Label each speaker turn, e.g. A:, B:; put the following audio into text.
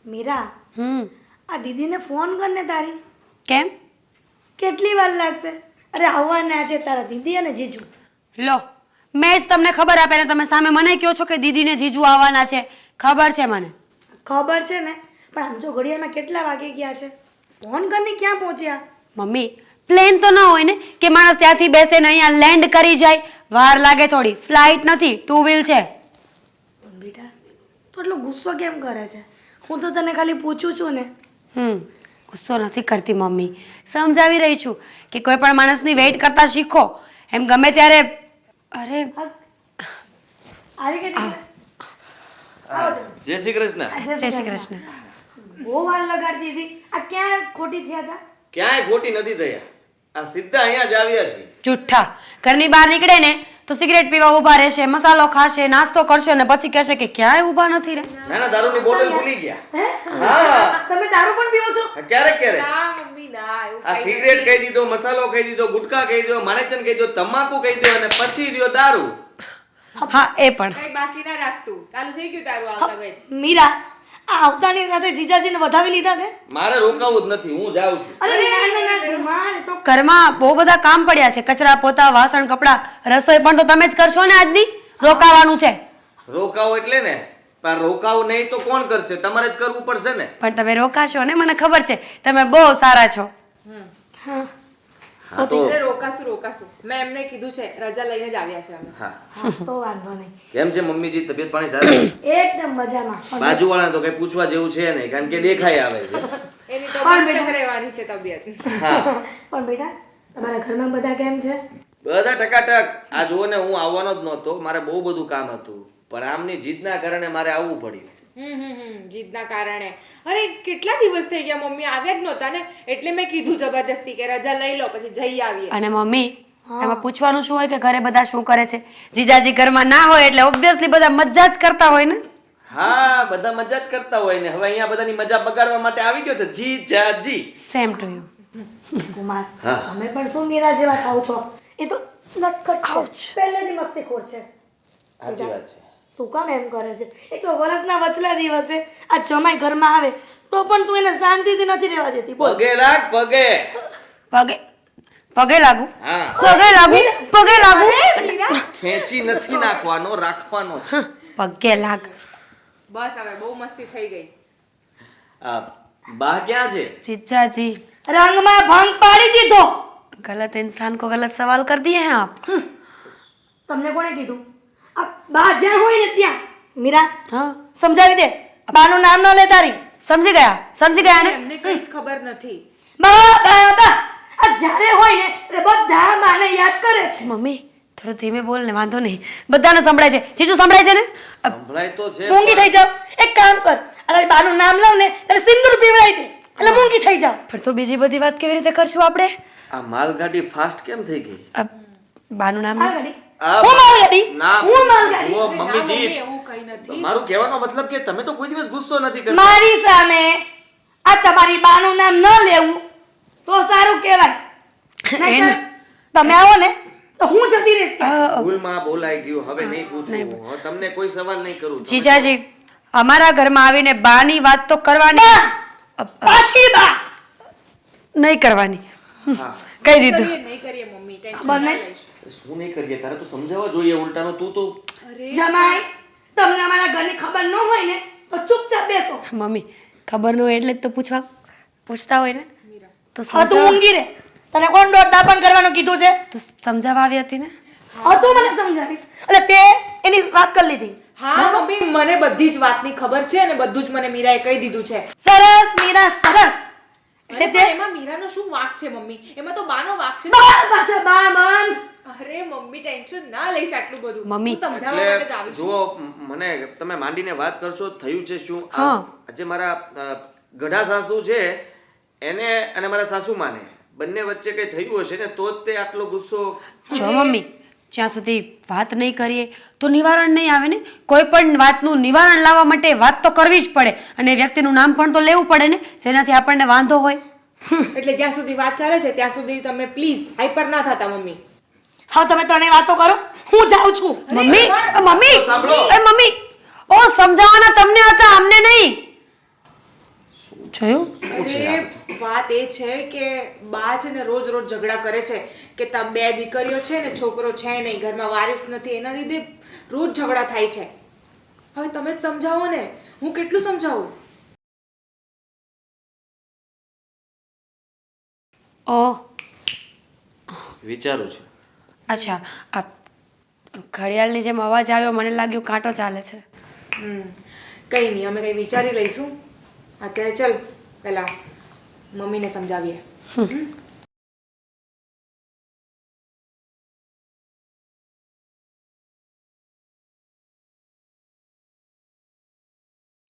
A: મીરા આ દીદીને ફોન કરને તારી.
B: કેમ?
A: કેટલી વાર લાગશે? અરે આવવાના છે તારા દીદી અને જીજુ.
B: લો, મેં જ તમને ખબર આપે ને તમે સામે મને કહો છો કે દીદીને જીજુ આવવાના છે. ખબર છે મને.
A: ખબર છે ને, પણ આમ જો ઘડિયાળમાં કેટલા વાગે ગયા છે? ફોન કરીને ક્યાં પહોંચ્યા?
B: મમ્મી, પ્લેન તો ના હોય ને કે માણસ ત્યાંથી બેસે ને અહીંયા લેન્ડ કરી જાય. વાર લાગે થોડી. ફ્લાઇટ નથી, 2 વ્હીલ છે.
A: પણ બેટા તું એટલો ગુસ્સો કેમ કરે છે? હું તો તને ખાલી પૂછું છું ને.
B: ગુસ્સો નથી કરતી મમ્મી, સમજાવી રહી છું કે કોઈ પણ માણસની વેઇટ કરતા શીખો. એમ ગમે ત્યારે અરે
A: આવી ગઈ દીકરા. આવો જરા.
C: જય શ્રી કૃષ્ણ.
B: જય શ્રી કૃષ્ણ.
A: બહુ વાર લગાડતી હતી. આ ક્યાં ખોટી થયા હતા?
C: ક્યાંય ખોટી નથી થયા. આ સીધા અહીંયા જ આવ્યા છે.
B: જુઠ્ઠા. ઘરની બહાર નીકળે ને તો સિગરેટ પીવા ઊભા રહેશે, મસાલો ખાશે, નાસ્તો કરશે ને પછી કહેશે કે ક્યાંય ઊભા નથી રે.
C: ના ના, દારૂની બોટલ ભૂલી ગયા.
A: હે?
C: હા,
A: તમે દારૂ પણ પીવો છો?
C: ક્યારેક ક્યારેક.
D: ના મમ્મી ના એવું
C: આ સિગરેટ કહી દીધો, મસાલો કહી દીધો, ગુટકા કહી દીધો, માણેકચંદ કહી દીધો, તમાકુ કહી દીધો અને પછી રહ્યો દારૂ.
B: હા, એ પણ.
D: કઈ બાકી ના રાખતું. ચાલુ થઈ ગયું તારું આવતા વેત.
A: મીરા આ આવતાની સાથે જીજાજીને વધાવી લીધા છે?
C: મારે રોકાવું જ નથી, હું જાઉં છું.
A: અરે ના ના ના મારે તો
B: ઘરમાં બહુ બધા કામ પડ્યા છે. કચરા, પોતા, વાસણ, કપડાં, રસોઈ પણ તો તમે જ કરશો ને આજની. રોકાવાનું છે.
C: રોકાવો એટલે ને, પણ રોકાવું નહીં તો કોણ કરશે? તમારે જ કરવું પડશે ને.
B: પણ તમે રોકાશો ને, મને ખબર છે. તમે બહુ સારા છો.
A: હા
C: હા તો
D: અરે રોકાશું. મેં એમને કીધું છે રજા લઈને જ આવ્યા છે અમે.
C: હા.
A: હા તો વાંધો નહીં.
C: કેમ છે મમ્મીજી, તબિયત પાણી સારી?
A: એકદમ મજામાં.
C: બાજુવાળા તો કઈ પૂછવા જેવું છે નહીં, કારણ કે દેખાઈ આવે છે.
D: એની તો
A: પણ
D: મસ્ત
A: બેટા.
D: જ રહેવાની છે તબિયત.
C: હા,
A: પણ બેટા તમારા ઘરમાં બધા કેમ છે?
C: બધા ટકાટક. આ જુઓ ને, હું આવવાનો જ નહોતો, મારે બહુ બધું કામ હતું, પણ આમની જીદના કારણે મારે આવવું પડ્યું.
D: જીદના કારણે. અરે કેટલા દિવસ થઈ ગયા મમ્મી આવ્યા જ નહોતા ને, એટલે મેં કીધું જબરદસ્તી કે રજા લઈ લો પછી જઈ આવીએ.
B: અને મમ્મી, એમાં પૂછવાનું શું હોય કે ઘરે બધા શું કરે છે? જીજાજી ઘરમાં ના હોય એટલે ઓબ્વિયસલી બધા મજા જ કરતા હોય ને.
C: હા, બધા મજા જ કરતા હોય ને. હવે અહીંયા બધાની મજા બગાડવા માટે આવી ગયો છે જીજાજી.
B: Same to you.
A: કુમાર
C: હા.
A: તમે પણ શું મીરા જેવા થાવ છો? એ તો નટખટ છે, પહેલેથી મસ્તીખોર છે.
C: સાચી વાત છે.
A: શું કામ એમ કરે છે? એક તો વરસના વચલા દિવસે આ જમાઈ ઘરમાં આવે તો પણ તું એને શાંતિથી નથી રહેવા દેતી. બોલ.
C: પગે લાગ, પગે.
B: પગે લાગુ.
C: હા,
B: પગે લાગુ.
C: ખેંચી નથી નાખવાનો, રાખવાનો છે.
B: પગે લાગ.
D: બસ હવે બહુ મસ્તી થઈ ગઈ.
C: આ બા ક્યાં છે?
B: जीजाजी
A: રંગમાં ભંગ પાડી દીધો.
B: गलत इंसान को गलत सवाल कर दिए हैं आप.
A: તમને કોણે કીધું? આ બા જ્યાં હોય ને ત્યાં. મીરા
B: हाँ,
A: સમજાવી દે. બાનું નામ ન લે તારી.
B: समझ गया ने.
D: એમને કઈ જ ખબર નથી.
A: બા બા બા આ જ્યારે હોય ને એટલે બધા બાને યાદ કરે છે.
B: મમ્મી થોડું ધીમે બોલ ને, વાંધો નહીં. બધાને સંભળાય છે. જીજુ સંભળાય છે ને?
C: સંભળાય તો છે.
A: મૂંગી થઈ જાવ. એક કામ કર, અરે બાનું નામ લઉં ને એટલે સિંદૂર પીવડાવી દે એટલે મૂંગી થઈ જાવ.
B: પણ તો બીજી બધી વાત કેવી રીતે કરશું આપણે?
C: આ માલગાડી ફાસ્ટ કેમ થઈ ગઈ?
B: બાનું નામ
A: આ ગાડી
C: આ
A: હું માલગાડી
C: ના,
A: હું માલગાડી.
C: જુઓ
D: ના,
C: મમ્મીજી,
D: મમ્મી એવું કઈ નથી.
C: મારું કહેવાનો મતલબ કે તમે તો કોઈ દિવસ ગુસ્સો નથી કરતા.
A: મારી સામે આ તમારી બાનું નામ ન લેવું તો સારું કહેવાય. નહીંતર તમે આવો ને તો હું જતી રહીશ.
C: ભૂલમાં બોલાઈ ગયું, હવે નહીં પૂછું. હવે તમને કોઈ સવાલ નહીં કરું.
B: જીજાજી અમારા ઘરમાં આવીને બાની વાત તો કરવાની
A: પાછી બા
B: નહીં કરવાની.
C: હા,
B: કહી દીધું.
D: નહીં કરીએ મમ્મી, ટેન્શન
A: બંને?
D: ના લઈશ.
C: શું નહીં કરીએ? તારે તો સમજાવવા જોઈએ ઉલટાનું. તું તો
D: અરે
A: જમાઈ તમને અમારા ઘરની ખબર ન હોય ને તો ચૂપચાપ બેસો.
B: મમ્મી ખબર ન હોય એટલે જ તો પૂછતા હોય ને. તો
A: હવે તું ઊંઘી રે. તને કોણ દોઢ દાપણ કરવાનું કીધું છે?
B: તું સમજાવવા આવી હતી ને.
A: હવે તું મને સમજાવીશ એટલે તે એની વાત કરી લીધી.
D: હા મમ્મી મને બધી જ વાતની ખબર છે અને બધું જ મને મીરાએ કહી દીધું છે.
A: સરસ મીરા સરસ.
D: અરે પણ એમાં મીરાનો શું વાંક છે મમ્મી? એમાં તો બાનો વાંક છે.
A: બા પાછા બા બંધ.
D: અરે મમ્મી ટેન્શન ના લઈશ આટલું બધું.
B: મમ્મી,
D: હું સમજાવવા માટે જ
C: એટલે
D: આવી છું.
C: જુઓ, મને તમે માંડીને વાત કરશો. થયું છે શું?
B: હા.
C: આજે મારા ગઢા સાસુ છે એને અને મારા સાસુમાને બંને વચ્ચે કઈ થયું હશે ને તો જ તે આટલો ગુસ્સો.
B: જો મમ્મી જ્યાં સુધી વાત નહીં કરીએ તો નિવારણ નહીં આવે ને. કોઈ પણ વાતનું નિવારણ લાવવા માટે વાત તો કરવી જ પડે અને વ્યક્તિનું નામ પણ તો લેવું પડે ને જેનાથી આપણને વાંધો હોય.
D: એટલે જ્યાં સુધી વાત ચાલે છે ત્યાં સુધી તમે પ્લીઝ હાઈપર ના થતા મમ્મી.
A: હા તમે ત્રણેય વાતો કરો, હું જાઉં છું.
B: મમ્મી મમ્મી
C: સાંભળો.
B: એ મમ્મી ઓ સમજાવવાના તમને હતા, અમને નહીં. જોયું
D: અરે વાત એ છે કે બા છે ને રોજ રોજ ઝઘડા કરે છે કે તમે બે દીકરીઓ છે ને છોકરો છે નહીં ઘરમાં વારિસ નથી એના લીધે રોજ ઝઘડા થાય છે. હવે તમે જ સમજાવો ને, હું કેટલું સમજાવું?
B: ઓહ
C: વિચારું છું.
B: અચ્છા, આ ઘડિયાળની જેમ અવાજ આવ્યો, મને લાગ્યું કાંટો ચાલે છે.
D: કંઈ નહીં, અમે કંઈ વિચારી લઈશું. અત્યારે ચાલ પહેલા મમ્મીને સમજાવીએ.